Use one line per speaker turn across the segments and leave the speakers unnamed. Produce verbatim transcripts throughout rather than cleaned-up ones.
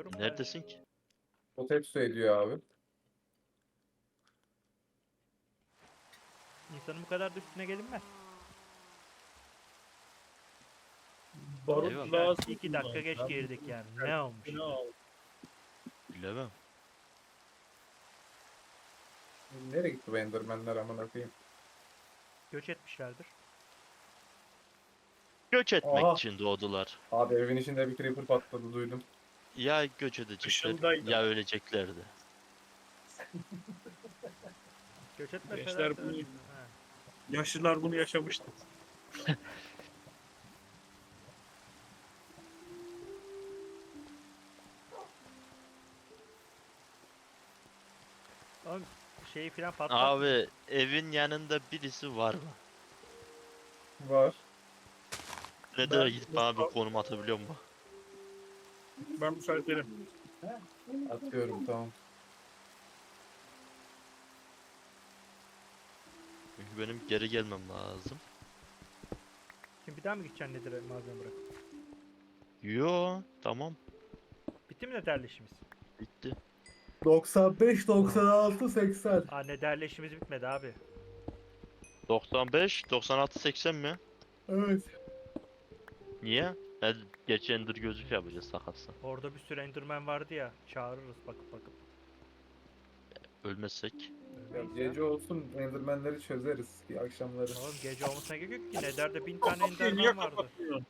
ediyorum.
Neredesin ki?
O tepsi ediyor abi.
İnsanın bu kadar da üstüne gelinmez.
Barut
Eyvallah.
lazım.
İki dakika geç
Ben
girdik
bu-
yani. Ne olmuş?
Ne oldu?
Bilemem.
Nereye gitti bu Enderman'ler amına koyayım?
Göç etmişlerdir.
Göç etmek
Aha.
için doğdular.
Abi evin içinde bir creeper patladı duydum.
Ya göç edecekler
Işıldaydı.
ya öleceklerdi.
Göç etmeseler
Gençler
de-
bunu-
Ha.
Yaşlılar bunu yaşamıştı.
Oğlum şeyi filan patlat.
Abi evin yanında birisi var mı?
Var.
Ne
Ben-
de gidip bana bir konum atabiliyor mu?
Ben müsaitelim.
Atıyorum tamam.
Çünkü benim geri gelmem lazım.
Şimdi bir daha mı gideceksin nedir malzeme bırak?
Yo tamam
Bitti mi neterli işimiz?
bitti.
doksan beş, doksan altı, seksen.
Aa neterli işimiz bitmedi abi.
doksan beş, doksan altı, seksen mi?
Evet.
Niye? Hadi geç Ender gözlük yapacağız sakatsa.
Orada bir sürü enderman vardı ya. Çağırırız bakıp bakıp.
Ölmezsek.
Ya
Ölmeyiz
gece olsun Enderman'leri çözeriz ki akşamları.
ya. Oğlum gece olmasına gerek yok ki. Nether'de bin tane
Kapıyı niye
enderman vardı.
kapatmıyorsun?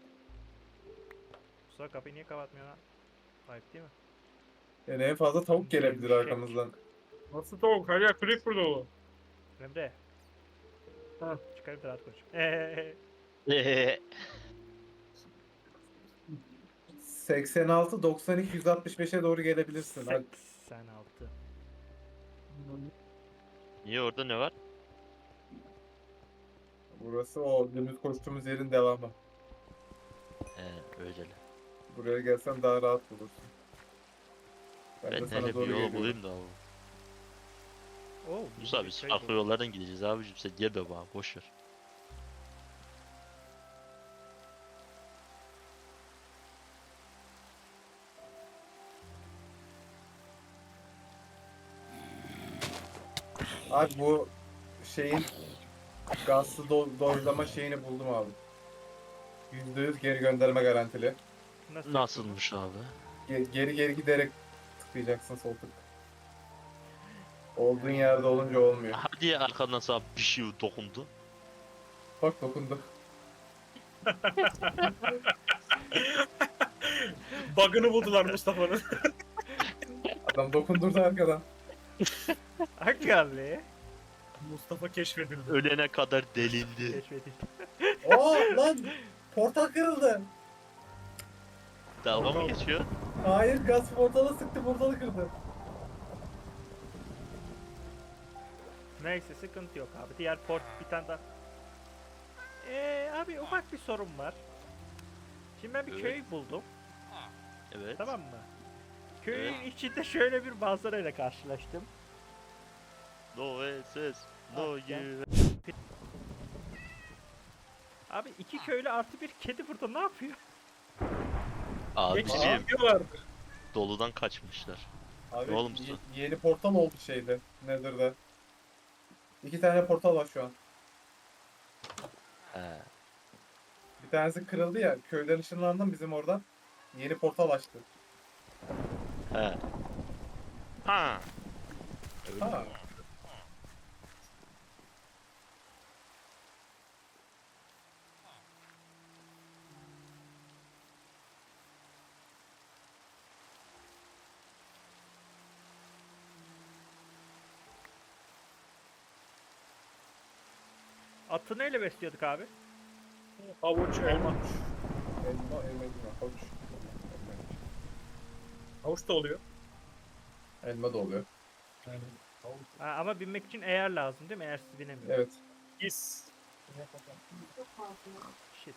Mustafa kapıyı niye kapatmıyor lan? Ayıp değil mi?
Yani en fazla tavuk gelebilir
Gevşek.
arkamızdan.
Nasıl tavuk? Her yer creeper dolu.
Emre.
Ha.
Çıkarıp da rahat konuş. Eee.
Eee,
seksen altı, doksan iki, yüz altmış beşe doğru gelebilirsin. Hadi.
seksen altı.
Niye orada ne var?
Burası o dümdüz koştuğumuz yerin devamı.
He öyle.
Buraya gelsen daha rahat bulursun. Ben,
Ben
de sana
hele bir
doğru
yolu
geliyorum.
bulayım da abi.
Oo.
Musa biz farklı yollardan gideceğiz abicim sen yeme bana boşver.
Abi bu şeyin gazlı do doylama şeyini buldum abi. yüzde yüz geri gönderme garantili.
Nasıl?
Nasılmış abi?
Ge- geri geri giderek tıklayacaksın sol tık. Olduğun yerde olunca olmuyor.
Hadi ya arkandan sana bir şey dokundu.
Bak dokundu.
Bug'ını buldular Mustafa'nın.
Adam dokundurdu arkadan.
Hakikaten.
Mustafa keşfedildi.
Ölene kadar delindi.
Keşfedildi.
Oo lan! Portal kırıldı.
Dalga mı geçiyor?
Hayır gaz portala sıktı portalı kırdı.
Neyse sıkıntı yok abi. Diğer port bir tane daha. Eee abi ufak bir sorun var. Şimdi ben bir
Evet.
köy buldum.
Evet.
Tamam mı? Köyün içinde şöyle bir manzarayla karşılaştım.
No ses. No
Ah, gel.
you.
Abi iki köylü artı bir kedi burada ne yapıyor?
Abicim
Geçiyorlardır.
doludan kaçmışlar.
Abi
Ne oğlum
ye-
bu?
yeni portal oldu şeyde. Nether'da. İki tane portal var şu an.
He.
Bir tanesi kırıldı ya. Köyden ışınlandım bizim oradan. Yeni portal açtı.
He. Ha. Öyle
Ha.
mi?
Atı neyle besliyorduk abi?
Havuç, elma.
Elma, elma değil mi? Havuç.
Havuç da oluyor.
Elma da oluyor.
Yani.
Ha, ama binmek için eğer lazım değil mi? Eğersiz binemiyorum.
Evet.
Gis.
Shit.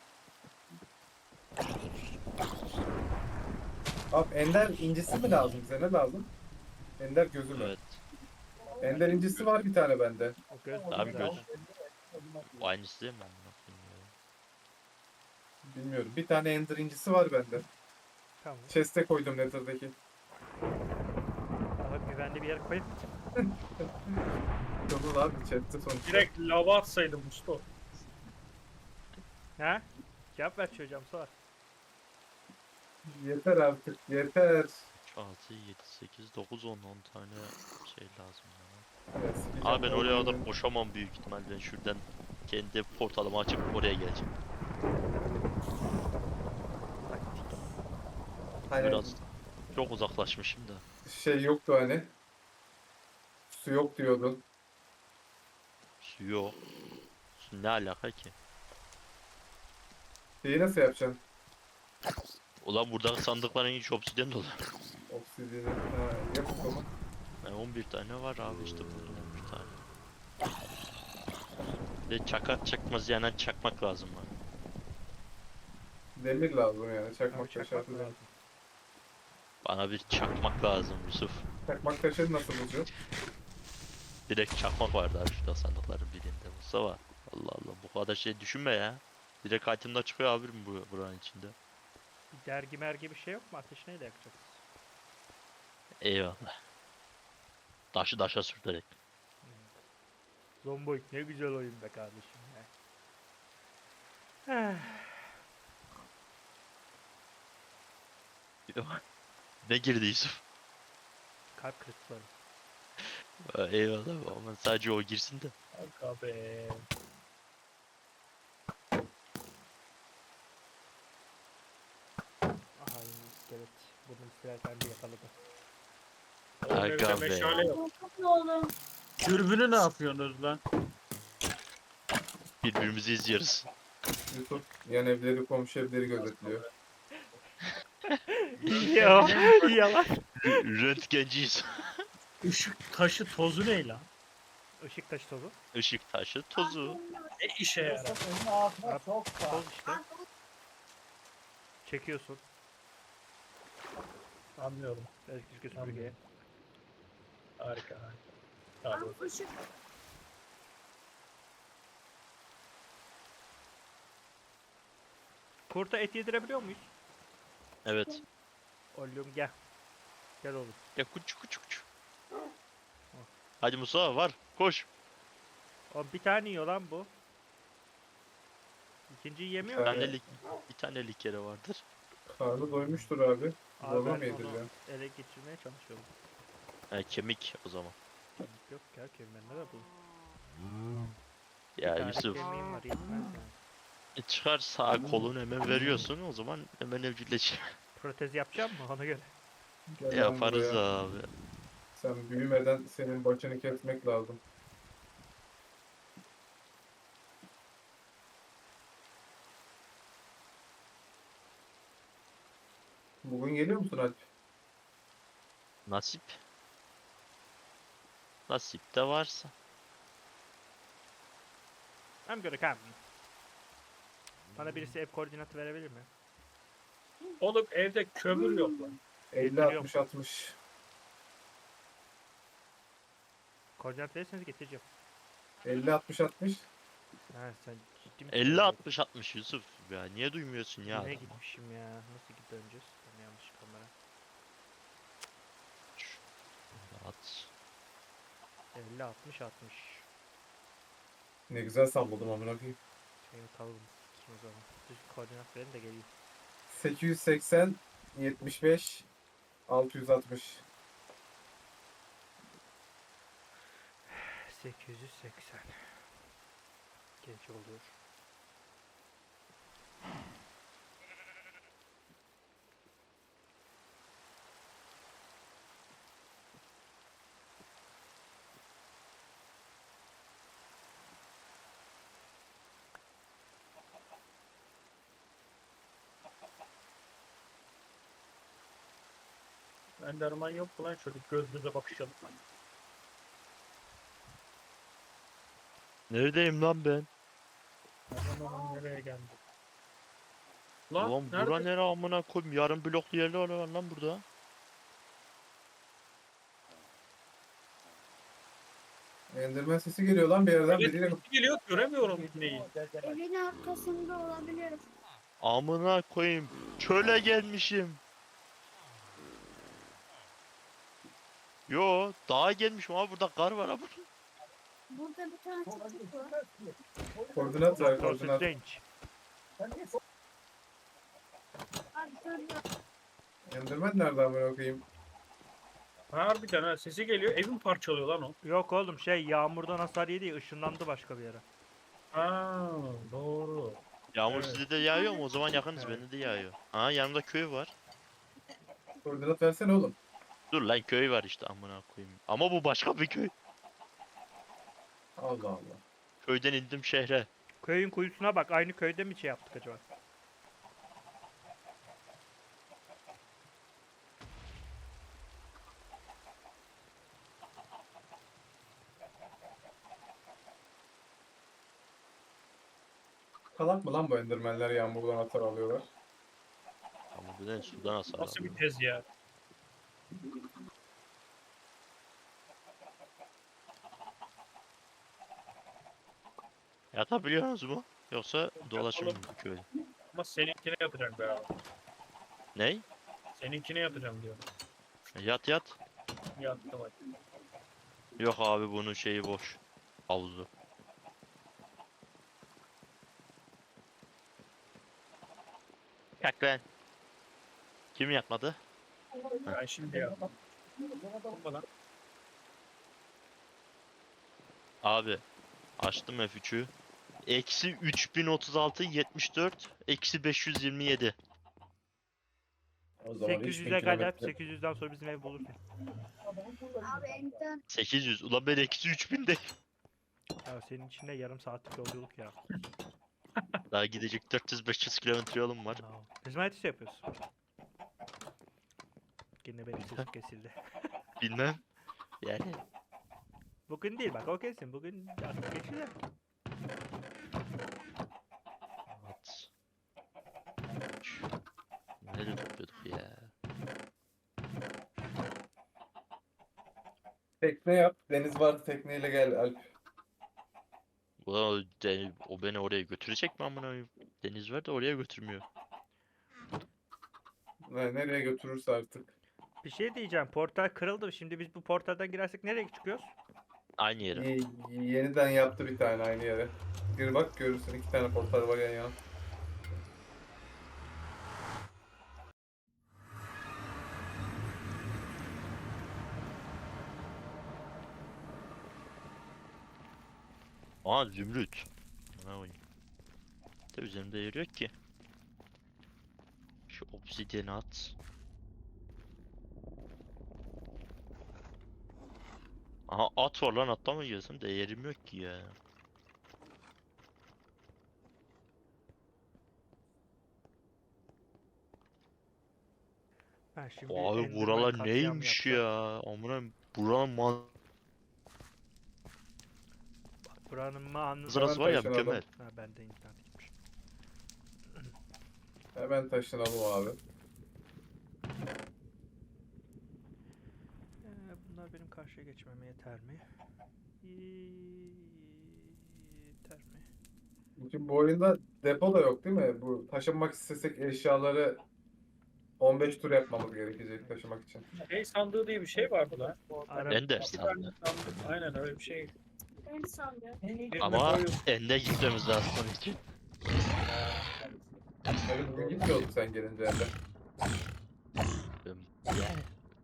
Abi ender incisi mi lazım bize? Ne lazım? Ender gözü mü?
Evet.
Ender incisi var bir tane bende.
O göz
Abi
zaten.
göz. O aynısı değil mi? Amına koyayım ya?
Bilmiyorum. Bir tane ender incisi var bende.
Tamam.
Chest'e koydum Nether'daki.
Daha güvenli bir yere koyup
Tamam abi chest'te sonuçta.
Direkt lava atsaydım Musto.
ha? Cevap ver çocuğum sor.
Yeter artık yeter.
altı, yedi, sekiz, dokuz, on, on tane şey lazım ya.
Evet, sikeceğim
Abi ben
bu
oraya kadar
oyunu.
koşamam büyük ihtimal. Ben şuradan kendi portalımı açıp oraya geleceğim.
Taktik.
Hani
Biraz çok uzaklaşmışım da.
şey yoktu hani. Su yok diyordun.
Su yok. Su ne alaka ki?
Şeyi nasıl yapacaksın?
Ulan buradaki sandıkların hiç obsidyen dolu.
Obsidian'i. Ha, yap o zaman.
Yani on bir tane var abi işte buldum on bir tane. Ve çakar çakmaz yani çakmak lazım bana.
Demir lazım yani.
Abi
Çakmak taşı
çakmak
atacağım.
lazım.
Bana bir çakmak lazım Yusuf.
Çakmak taşını nasıl bulacağız?
Direkt çakmak vardı abi şurada sandıkların birinde. Mustafa. Allah Allah bu kadar şey düşünme ya. Direkt item'da çıkıyor abi bu buranın içinde.
Bir dergi mergi bir şey yok mu? Ateş neyle yakacağız?
Eyvallah. Taşı taşa sürterek.
Zomboid ne güzel oyun be kardeşim ya.
Ne girdi Yusuf?
Kalp kırıkları.
Ha, eyvallah ama sadece o girsin de.
Kanka be.
Aha yine iskelet. Bunu isterken bir yakaladı.
Oğlum
Aga
evde
be.
meşale yok.
Ne oğlum?
Dürbünü ne yapıyorsunuz lan?
Birbirimizi izliyoruz.
Yusuf yan evleri komşu evleri gözetliyor.
Ya yalan.
Röntgenciyiz.
Işık taşı tozu ne lan?
Işık taşı tozu.
Işık taşı tozu.
Ne işe yarar?
Abi, toz işte. Çekiyorsun.
Anlıyorum.
Elektrik süpürgeye.
Harika harika. Tamam.
Kurta et yedirebiliyor muyuz?
Evet.
Oğlum gel. Gel oğlum.
Ya kuç kuç kuç. Hadi Musa var. Koş.
Oğlum bir tane yiyor lan bu. İkinciyi yemiyor
Bir
mu?
Evet.
tanelik, bir tanelik yere vardır.
Karnı doymuştur abi.
Abi
Zorla
ben
mı yedireceğim?
onu ele geçirmeye çalışıyorum.
Ha, kemik o zaman.
Kemik yok ya kemiğinde de bu.
Ya
Bir tane
Yusuf
kemiğim var yetmez yani.
e, çıkar sağ kolunu hemen veriyorsun o zaman hemen evcilleş.
Protez yapacağım mı ona göre?
Gel lan
Yaparız
buraya.
abi.
Sen büyümeden senin başını kesmek lazım. Bugün geliyor musun Alp?
Nasip. Nasip de varsa.
I'm gonna come. Bana birisi ev koordinatı verebilir mi?
Oğlum evde kömür yok lan.
elli
Getiriyorum.
altmış altmış.
Koordinat verirseniz getireceğim.
elli altmış altmış.
Ha sen ciddi misin?
elli altmış altmış Yusuf. Ya niye duymuyorsun ya?
Yine
adamı?
gitmişim ya. Nasıl git döneceğiz? Ben yanlış kamera.
At.
elli altmış altmış.
Ne güzel salladım amına koyayım.
Şeyimi kalalım. O zaman. Düz koordinat verin de geleyim.
sekiz yüz seksen yetmiş beş altı yüz altmış.
sekiz yüz seksen. Genç oluyor.
Enderman yok mu lan? Şöyle göz göze bakışalım.
Neredeyim lan ben?
Enderman nereye geldi? Lan
Ulan
nerede?
bura nere amına koyayım? Yarım bloklu yerler var lan burada.
Enderman sesi geliyor lan bir yerden
Evet,
biriyle.
sesi geliyor göremiyorum neyi.
Evin arkasında olabilir.
Amına koyayım. Çöle gelmişim. Yo dağa gelmişim abi, burada kar var abi.
Burada bir tane çocuk var.
Koordinat ver
Doctor
koordinat.
Strange.
Abi görüyor.
Enderman nerede amına okuyayım?
Harbiden ha, sesi geliyor. Evim parçalıyor lan o.
Yok oğlum şey yağmurdan hasar yedi ya, ışınlandı başka bir yere.
Ha doğru.
Yağmur
Evet.
sizde de yağıyor mu? O zaman yakınız,
Evet.
bende de yağıyor. Ha yanımda köy var.
Koordinat versene oğlum.
Dur lan, köy var işte amına koyayım. Ama bu başka bir köy.
Allah Allah.
Köyden indim şehre.
Köyün kuyusuna bak, aynı köyde mi şey yaptık acaba?
Kalak mı lan bu endermenler yağmurdan atar alıyorlar?
Ama bu ne, sudan hasar
Nasıl
alıyor.
bir tez ya?
Yatabiliyorsunuz mu? Yoksa dolaşır mı
Yatalım.
bu köy?
Ama seninkine yatacağım be abi.
Ney?
Seninkine yatacağım diyor.
Yat yat.
Yattım hadi.
Yok abi, bunun şeyi boş. Havuzu. Yak lan. Kim yakmadı?
Ben şimdi yattım. Bana.
Abi açtım F üç'ü. Eksi üç bin otuz altı yetmiş dört. Eksi beş yüz yirmi yedi.
O zaman
sekiz yüze kadar, sekiz yüzden sonra bizim ev bulursun.
Abi enter.
sekiz yüz. Ulan ben eksi üç binde.
Ya senin içinde yarım saatlik yolculuk ya.
Daha gidecek dört yüz beş yüz kilometre yolum var.
No. Biz Mighty's yapıyoruz. Yine benim sesim kesildi.
Bilmem. Yani
Bugün değil bak, o kesin. Bugün artık geçiyor.
at. Nerede topluyorduk ya?
Tekne yap. Deniz vardı tekneyle gel Alp.
Ulan o, de- o beni oraya götürecek mi amına koyayım? Deniz var da oraya götürmüyor.
Ne- Nereye götürürse artık.
Bir şey diyeceğim. Portal kırıldı. Şimdi biz bu portaldan girersek nereye çıkıyoruz?
Aynı yere.
Y- yeniden yaptı bir tane aynı yere. Gir bak görürsün iki tane portal var yan yana.
Aa zümrüt. Amına koyayım. De üzerimde yer yok ki. Şu obsidiyeni at. Aha at var lan, atla mı yiyorsun? De yerim yok ki ya.
Ben şimdi
Abi
Enderman
buralar
katliamı
neymiş
yapacağım.
ya? Amına buranın man
Bak, buranın manzarası.
manzarası var ya,
taşınalım.
mükemmel.
Ha, ben de internet gitmiş.
Hemen taşınalım abi.
Ee, bunlar benim karşıya geçmeme yeter mi? Yeter mi?
Çünkü bu oyunda depo da yok değil mi? Bu taşınmak istesek eşyaları on beş tur yapmamız gerekecek taşımak için.
Şey sandığı diye bir şey vardı lan.
Ara-
Ender
Bir tane
sandı.
sandık. Aynen öyle bir şey.
Ben sandım.
Birine
Ama
koyuyorsun.
ende gitmemiz lazım onun için.
Yani bugün gitmiyorduk sen gelince Ender.
Yani.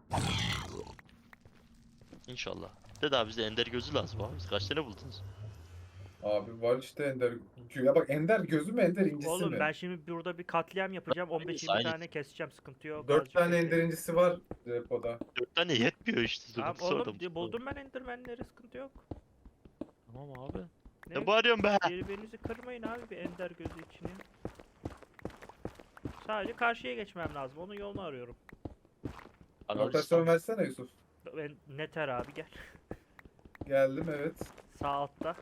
İnşallah. De daha bize ender gözü lazım abi. Siz kaç tane buldunuz?
Abi var işte Ender. Ya bak Ender gözü mü Ender incisi
Oğlum
mi?
ben şimdi burada bir katliam yapacağım. on beş yirmi
Aynı.
tane keseceğim. Sıkıntı yok.
Dört
azıcık
tane
bekleyin.
Ender incisi var depoda.
Dört tane yetmiyor işte.
Tamam
Sıkıntısı orada
oğlum
Mustafa.
buldum ben Enderman'leri, sıkıntı yok.
Tamam abi.
Ne?
Ne bağırıyorsun be?
Birbirinizi kırmayın abi bir ender gözü için ya. Sadece karşıya geçmem lazım. Onun yolunu arıyorum.
Rotasyon versene Yusuf.
Ben Neter abi gel.
Geldim evet.
Sağ altta.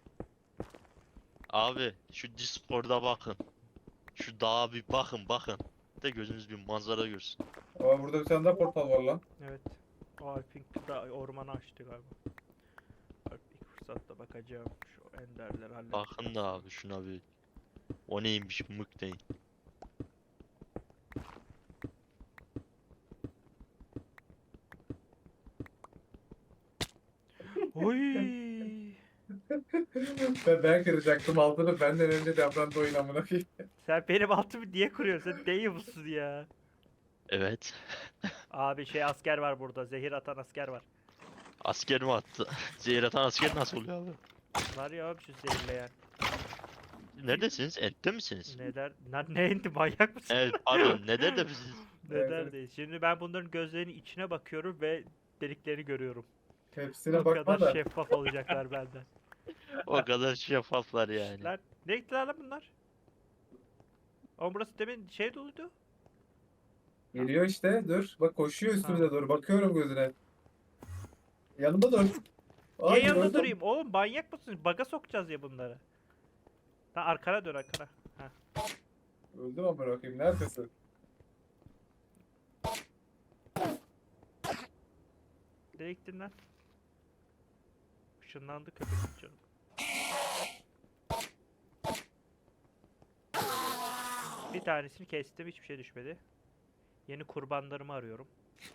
Abi şu Discord'a bakın. Şu dağa bir bakın bakın. De gözünüz bir manzara görsün.
Ama burada bir tane daha portal var lan.
Evet. O Alp'in da ormanı açtı galiba. Alp ilk fırsatta bakacağım. Şu enderleri halledeceğim.
Bakın da abi şuna bir. O neymiş mık değil.
Oy.
Ben, ben kıracaktım altını benden önce davrandı oyun amına koyayım.
Sen benim altımı niye kuruyorsun? Sen değil musun ya?
Evet.
Abi şey asker var burada. Zehir atan asker var.
Asker mi attı? Zehir atan asker nasıl oluyor abi?
Var ya abi şu zehirleyen.
Neredesiniz? Ette misiniz?
Ne der? Lan ne indi manyak mısın?
Evet pardon. Ne der de misiniz?
Ne
Evet,
derdeyiz? Şimdi ben bunların gözlerinin içine bakıyorum ve deliklerini görüyorum.
Hepsine
Bu
bakma
kadar
da.
şeffaf olacaklar benden.
O kadar şeffaflar yani.
Lan ne gittiler lan bunlar? Ama burası demin şey doluydu.
Geliyor işte dur. Bak koşuyor üstümüze
Ha.
doğru. Bakıyorum gözüne. Yanımda dur.
Niye
Ay,
yanında
gördüm.
durayım? Oğlum manyak mısın? Baga sokacağız ya bunları. Lan arkana dön arkana. Ha.
Öldüm amına koyayım. Neredesin?
Nereye gittin lan? Işınlandı köpek canım. Bir tanesini kestim, hiçbir şey düşmedi. Yeni kurbanlarımı arıyorum.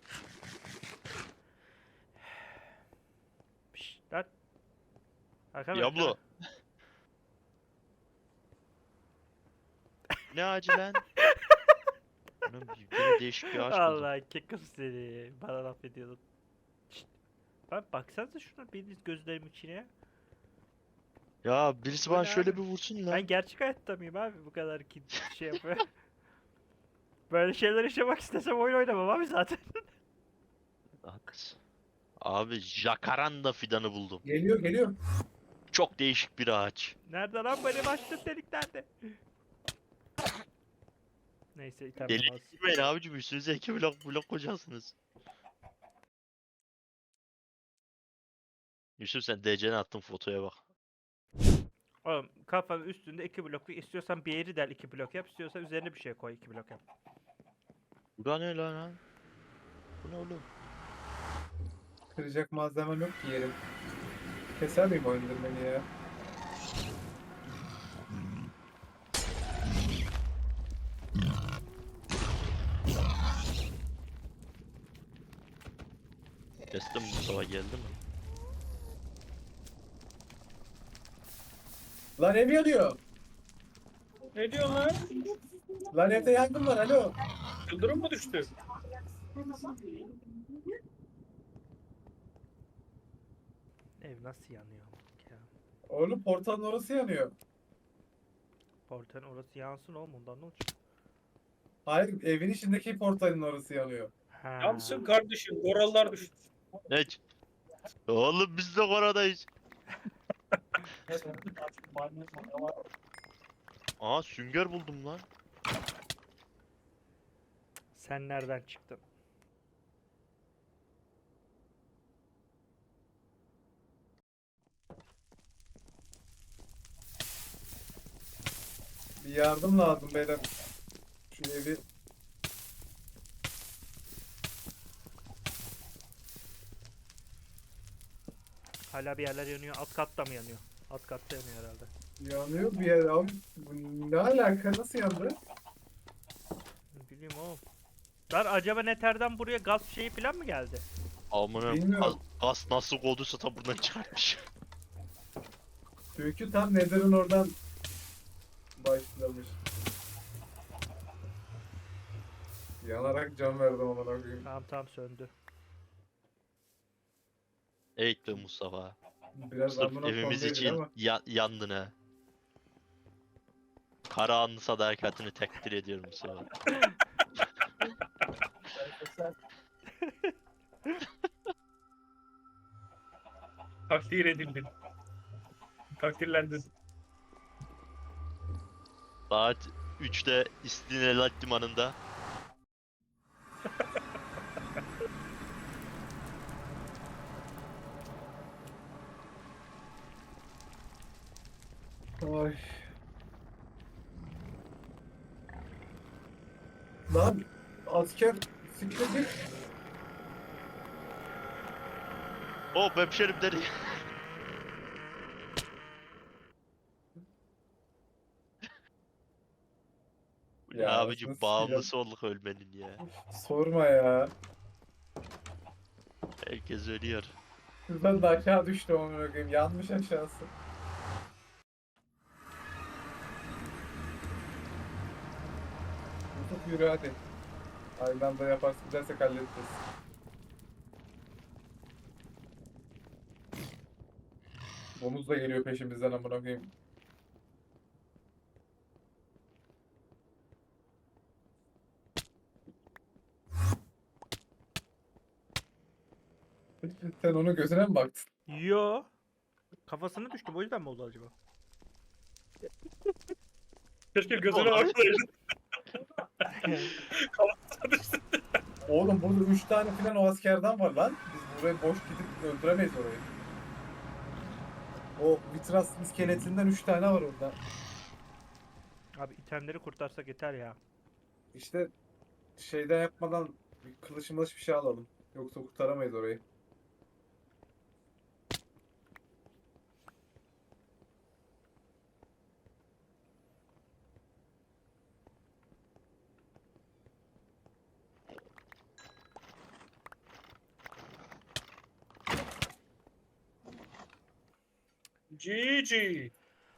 Pişt lan. Arkana bak,
Diablo.
arkana.
Ne ağacı lan? Bunun bir, bir değişik bir ağaç buldum.
Allah kekum seni. Bana laf ediyordun. Şşt. Lan baksanıza şuna biriniz gözlerimin içine ya.
Ya birisi
Bu
bana
ne
şöyle
abi?
bir vursun lan.
Ben gerçek hayatta mıyım abi bu kadar ki şey yapıyor. Böyle şeyler yaşamak istesem oyun oynamam abi zaten.
Haklısın. Abi jacaranda fidanı buldum.
Geliyor geliyor.
Çok değişik bir ağaç.
Nerede lan benim açtığım delik nerede? Neyse item
Deli
olmaz.
girmeyin abicim üstünüze iki blok blok koyacaksınız. Yusuf sen D C'ne attın fotoya bak.
Oğlum kafanın üstünde iki blok istiyorsan bir yeri del iki blok yap istiyorsan üzerine bir şey koy iki blok yap.
Bu da ne lan ha? Bu ne oğlum?
Kıracak malzemem yok ki yerim. Keser miyim o indirmeni ya?
Kestim Mustafa geldi mi?
Lan ev yanıyor.
Ne diyorsun lan?
Lan evde yangın var alo.
Yıldırım mı düştü?
Ev nasıl yanıyor ya?
Oğlum portalın orası yanıyor.
Portanın orası yansın oğlum ondan ne olacak?
Hayır evin içindeki portalın orası yanıyor.
Ha.
Yansın kardeşim. Korallar düştü.
Ne? Oğlum biz de koradayız. Aa sünger buldum lan.
Sen nereden çıktın?
Bir yardım lazım beyler. Şu evi
Hala bir yerler yanıyor. Alt katta mı yanıyor? Alt katta yanıyor herhalde.
yanıyor bir yer abi. Bu ne alaka nasıl yandı?
Ne bileyim oğlum. Lan acaba Nether'den buraya gaz şeyi falan mı geldi?
Amına
Bilmiyorum.
gaz nasıl kovduysa tam buradan çıkartmış.
Çünkü tam Nether'ın oradan başlamış. Yanarak can verdim amına koyayım.
Tamam tamam söndü.
Evet be Mustafa.
Biraz
Sırf
amına
evimiz
koyayım
için
ama.
ya yandın ha. Karahanlı sadakatini takdir ediyorum Mustafa.
Takdir edildin. Takdirlendin.
Saat üçte İstinyelat Limanı'nda.
Ay. Lan asker siktir.
Hop hemşerim dedi. Ya,
Ya,
abicim
nasıl
bağımlısı olduk ölmenin ya.
Sorma ya.
Herkes ölüyor.
Şuradan da aşağı düştü onu bakayım. Yanmış aşağısı. Yusuf yürü hadi. Aynı anda yaparsın dersek halledeceğiz. Domuz da geliyor peşimizden amına koyayım. Sen onun gözüne mi baktın?
Yo. Kafasına düştüm, o yüzden mi oldu acaba?
Keşke gözüne
Olay.
baksaydın. Kafasına düştü.
Oğlum burada üç tane falan o askerden var lan. Biz burayı boş gidip öldüremeyiz orayı. O vitras iskeletinden üç tane var orada.
Abi itemleri kurtarsak yeter ya.
İşte şeyden yapmadan bir kılıç mılıç bir şey alalım. Yoksa kurtaramayız orayı.
G G.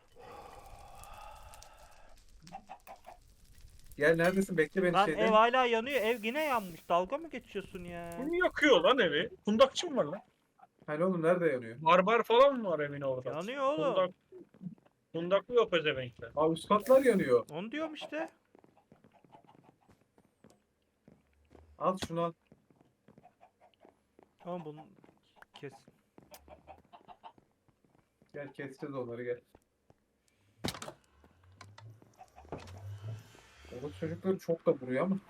Gel neredesin? Bekle beni
Lan
şeyden.
ev hala yanıyor, ev yine yanmış. Dalga mı geçiyorsun ya?
Kim yakıyor lan evi? Kundakçı mı var lan?
Hani oğlum nerede yanıyor?
Barbar falan mı var evin orada?
Yanıyor oğlum.
Kundak, kundaklı yok pezevenkler.
Aa üst katlar yanıyor.
Onu diyorum işte.
Al şunu al.
Tamam bunu kes.
Gel keseceğiz onları gel. O çocukları çok da vuruyor ama.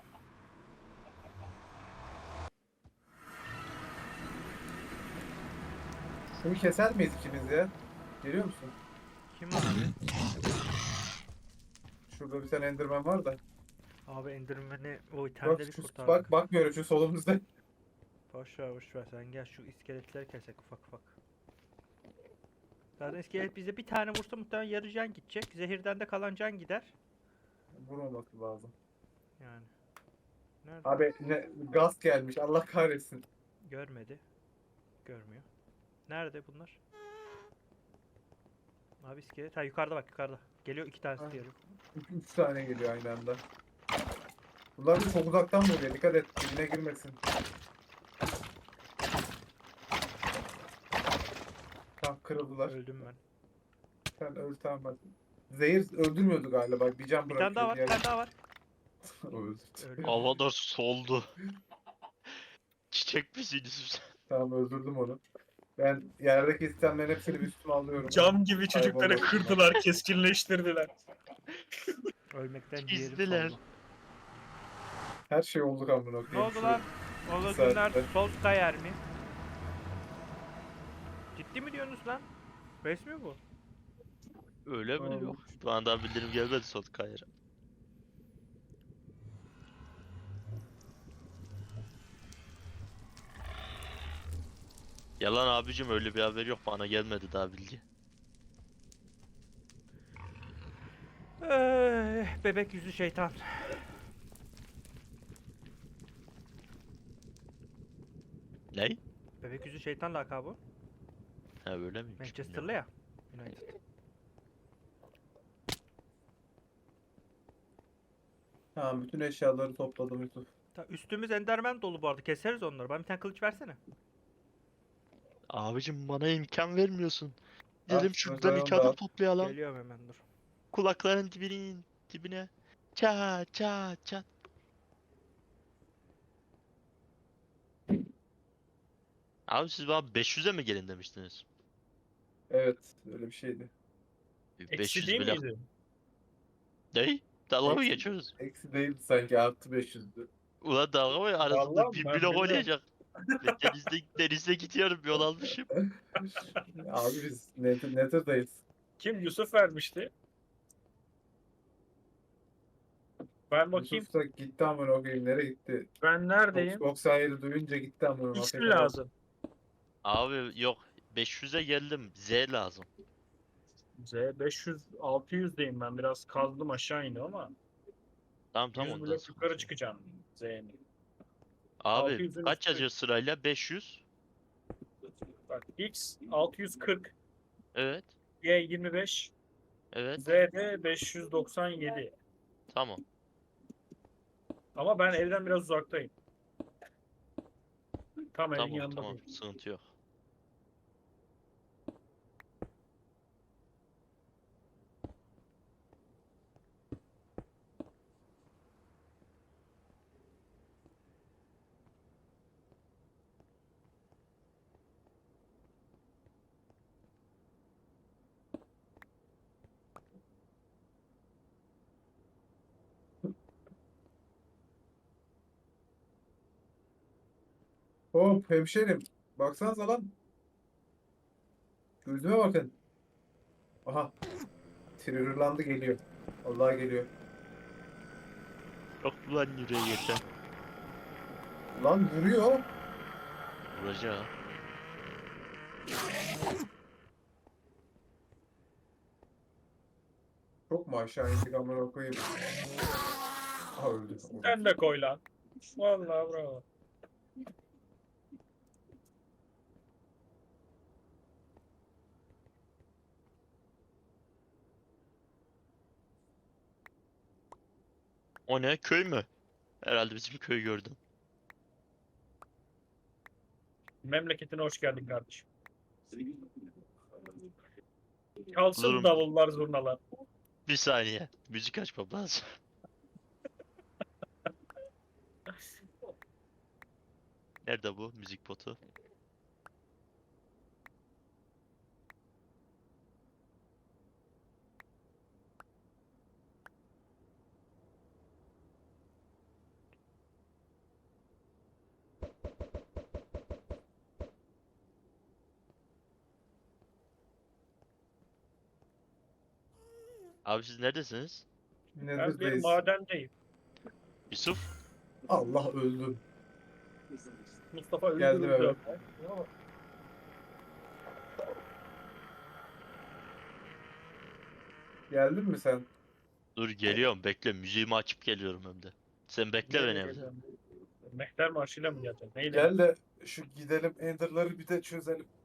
Şunu keser miyiz ikimiz ya? Geliyor musun?
Kim abi?
Şurada bir tane Enderman var da.
Abi Enderman'i o
Bak,
itemleri
şu-
kurtardık.
bak bakmıyorum şu solumuzda.
Boş ver boş ver, sen gel şu iskeletleri kesek ufak ufak. Zaten iskelet bize bir tane vursa muhtemelen yarı can gidecek. Zehirden de kalan can gider.
Vurmaması lazım.
Yani. Nerede?
Abi ne, gaz gelmiş Allah kahretsin.
Görmedi. Görmüyor. Nerede bunlar? Abi iskelet. Ha yukarıda bak, yukarıda. Geliyor, iki tanesi
Ha.
geliyor.
Üç, üç tane geliyor aynı anda. Bunlar da çok uzaktan vuruyor. Dikkat et dibine girmesin. Tamam kırıldılar.
Öldüm ben.
Sen öl tamam bak. Zehir öldürmüyordu galiba. Bir can
Bir
bırakıyor.
tane daha var, bir tane daha var.
Öldürdü.
Öldü.
Havada soldu. Çiçek misiniz sen?
Tamam öldürdüm onu. Ben yerdeki itemlerin hepsini bir üstüme alıyorum.
Cam gibi çocukları
Kayboldu.
kırdılar, keskinleştirdiler.
Ölmekten
Çizdiler.
ciğerim soldu.
Her şey olduk amına
Ne
koyayım.
oldu
Şu-
lan? O
iki
günler
saatte.
sol kayar mı? Ciddi mi diyorsunuz lan? Resmi bu.
Öyle mi
Tamam.
diyor? Şu anda bildirim gelmedi son kayıra. Yalan abicim, öyle bir haber yok, bana gelmedi daha bilgi.
Eh, bebek yüzü şeytan.
Ne?
Bebek yüzü şeytan lakabı.
Ha öyle miymiş?
Manchester'lı ya. United.
Tamam bütün eşyaları topladım Yusuf.
Ta, üstümüz enderman dolu bu arada. Keseriz onları. Bana bir tane kılıç versene.
Abicim bana imkan vermiyorsun.
Ah,
Gidelim şuradan
mesela
iki
onda.
adım toplayalım.
Geliyorum hemen, dur.
Kulakların dibinin dibine. Çat çat çat. Abi siz bana beş yüze mi gelin demiştiniz?
Evet öyle bir şeydi.
Eksi
beş yüz
değil
bile.
miydi?
Ne? Dalga mı
Eksi.
geçiyoruz?
Eksi değildi sanki artı beş yüzdü.
Ulan dalga mı? Arasında
Vallahi
bir
ben
blok
bilmem.
oynayacak. Ben denizde, denizde gidiyorum, yol almışım.
Abi biz Nether, Nether'dayız.
Kim? Yusuf vermişti. Ben bakayım.
Yusuf da gitti amına koyayım nereye gitti?
Ben neredeyim?
doksan yedi duyunca gitti amına
X mi
koyayım.
lazım?
Abi yok, beş yüze geldim. Z lazım.
Z beş yüz altı yüzdeyim ben. Biraz kazdım aşağı indim ama
Tamam tamam,
yüz
ondan
blok
sonra.
yukarı çıkacağım Z'nin.
Abi
altı yüzün
kaç
üstü.
yazıyor sırayla? beş yüz.
Bak X altı yüz kırk,
Evet.
Y yirmi beş,
Evet.
Z de beş yüz doksan yedi.
Tamam.
Ama ben evden biraz uzaktayım. Tam evin
Tamam
yanında
tamam.
değil.
Sıkıntı yok.
Hop hemşerim. Baksanıza lan. Gözüme bakın. Aha. Triggerlandı geliyor. Allah geliyor.
Yok lan yüreğe geçen.
Lan vuruyor.
Vuracağım.
Çok mu aşağı indik amına koyayım. Aha öldü.
Sen de koy lan. Vallahi bravo.
O ne? Köy mü? Herhalde bizim köyü gördüm.
Memleketine hoş geldin kardeşim. Kalsın
Bulurum.
davullar zurnalar.
Bir saniye. Müzik açmam lazım. Nerede bu müzik botu? Abi siz neredesiniz?
Ben bir
Neredeyiz?
madendeyim.
Yusuf?
Allah öldüm.
Mustafa
Geldim
öldürüldü.
evet. Geldin mi sen?
Dur geliyorum bekle müziğimi açıp geliyorum hem de. Sen bekle beni evde.
Mehter marşıyla mı geleceksin? Neyle?
Gel de şu gidelim Ender'ları bir de çözelim.